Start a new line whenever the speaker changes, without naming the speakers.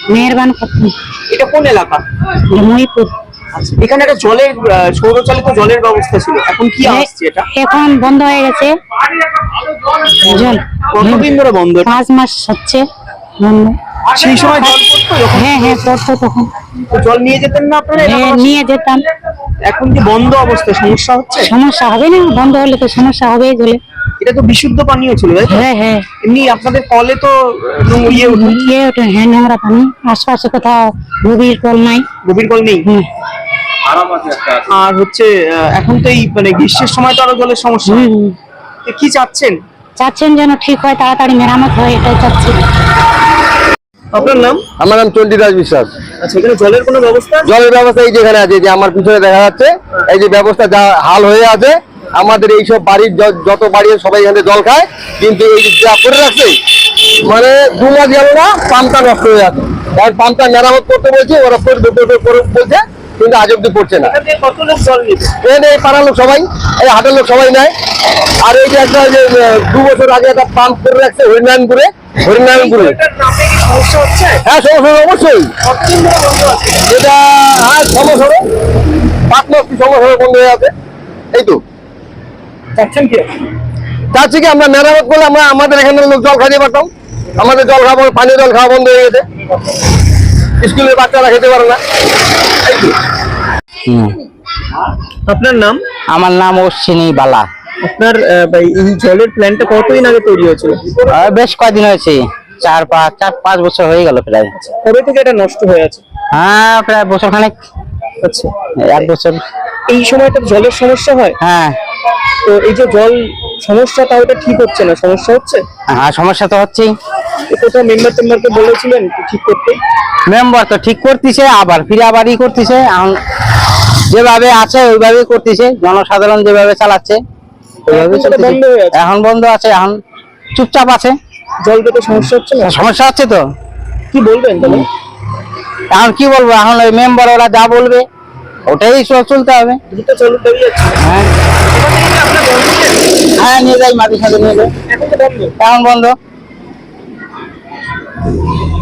মেহেরবান খাতুন।
এটা কোন এলাকা?
মহিপুর।
আচ্ছা, এখানে একটা জলের সৌরচালিত জলের ব্যবস্থা ছিল, এখন কি আসছে এটা?
এখন বন্ধ হয়ে গেছে জল।
কতদিন ধরে বন্ধ এটা?
5 মাস হচ্ছে বন্ধ।
সেই সময় জল পড়তো যখন?
হ্যাঁ হ্যাঁ, পড়তো তখন।
তো জল নিয়ে যেতেন না আপনারা
হ্যাঁ,
এলাকাবাসী?
নিয়ে যেতাম।
এখন কি বন্ধ অবস্থায় সমস্যা হচ্ছে?
সমস্যা হবে না, বন্ধ হলে তো সমস্যা হবেই জলে।
এটা তো বিশুদ্ধ পানীয় ছিল, তাই তো?
হ্যাঁ হ্যাঁ।
এমনি আপনাদের কলে তো ইয়ে ওঠে,
ইয়ে ওঠে, হ্যাঁ, নোংরা পানি। আশপাশে কোথাও গভীর কল নাই।
গভীর কল নেই।
হুম।
আর হচ্ছে এখন তো এই মানে গ্রীষ্মের সময় তো আরো জলের সমস্যা হয়।
হুম।
তো কি চাচ্ছেন?
চাচ্ছেন যেন ঠিক হয়, তাড়াতাড়ি মেরামত হয়, এটাই চাচ্ছি।
আপনার নাম?
আমার নাম চণ্ডীদাস বিশ্বাস।
আচ্ছা, এখানে জলের কোনো ব্যবস্থা?
জলের ব্যবস্থা এই যেখানে আছে, যে আমার পিছনে দেখা যাচ্ছে, এই যে ব্যবস্থা যা হাল হয়ে আছে, আমাদের এইসব বাড়ির যত বাড়ি সবাই এখানে জল খায়, কিন্তু এই যা করে রাখছে, মানে 2 মাস গেল না, পাম্পটা নষ্ট হয়ে আছে। কারণ পাম্পটা মেরামত করতে বলছে, ওরা বলছে, কিন্তু আজ অব্দি পড়ছে না।
এখান থেকে কত লোক জল নিবে?
এই পাড়ার লোক সবাই, এই হাটের লোক সবাই নেয়। আর এই যে একটা যে 2 বছর আগে একটা পাম্প করে রাখছে হরিনারায়ণপুরে।
এটার নামে কি সমস্যা হচ্ছে?
হ্যাঁ, সমস্যা অবশ্যই।
কতদিন ধরে বন্ধ আছে?
এটা সমস্যা 5 মাস কি সমস্যা বন্ধ হয়ে আছে। এই তো
চাচ্ছেন কি?
চাচ্ছি কি, আমরা মেরামত করলে আমরা আমাদের এখানে লোক জল খাইতে পারতাম। আমাদের জল খাওয়া, পানীয় জল খাওয়া বন্ধ হয়ে গেছে, স্কুলের বাচ্চারা খেতে পারে না। এই তো।
আপনার নাম?
আমার নাম অশ্বিনী বালা।
আপনার এই জলের প্ল্যানটা কতদিন আগে তৈরি হয়েছিল?
বেশ কয়দিন হয়েছে, 4-5 বছর হয়ে গেল প্রায়।
কবে থেকে এটা নষ্ট হয়ে আছে?
হ্যাঁ, প্রায় বছর খানেক।
আচ্ছা,
1 বছর।
এই সময়টা জলের সমস্যা হয়?
হ্যাঁ
তো এই যে জল সমস্যা, তাও এটা ঠিক হচ্ছে না, সমস্যা হচ্ছে?
হ্যাঁ, সমস্যা তো হচ্ছেই।
কোথাও মেম্বারকে বলেছিলেন ঠিক করতে?
মেম্বার তো ঠিক করতেছে, আবার ফিরে আবারই করতেছে। এখন যেভাবে আছে ওইভাবেই করতেছে, জনসাধারণ যেভাবে চালাচ্ছে ওইভাবেই
এখন তো
চলতেছে।
বন্ধ হয়ে আছে।
এখন বন্ধ আছে, এখন চুপচাপ আছে।
জল পেতে সমস্যা হচ্ছে না?
সমস্যা হচ্ছে তো।
কি বলবেন তাহলে?
এখন কি বলবো, এখন ওই মেম্বার ওরা যা বলবে ওটাই চলতে হবে।
দ্রুত চালু দাঁড়িয়ে আছে।
হ্যাঁ
এবার থেকে কি আপনার বন্ধ নেই?
হ্যাঁ, নিয়ে যাই, মাঝে সাথে নিয়ে যাই।
এখন তো বন্ধ।
এখন বন্ধ।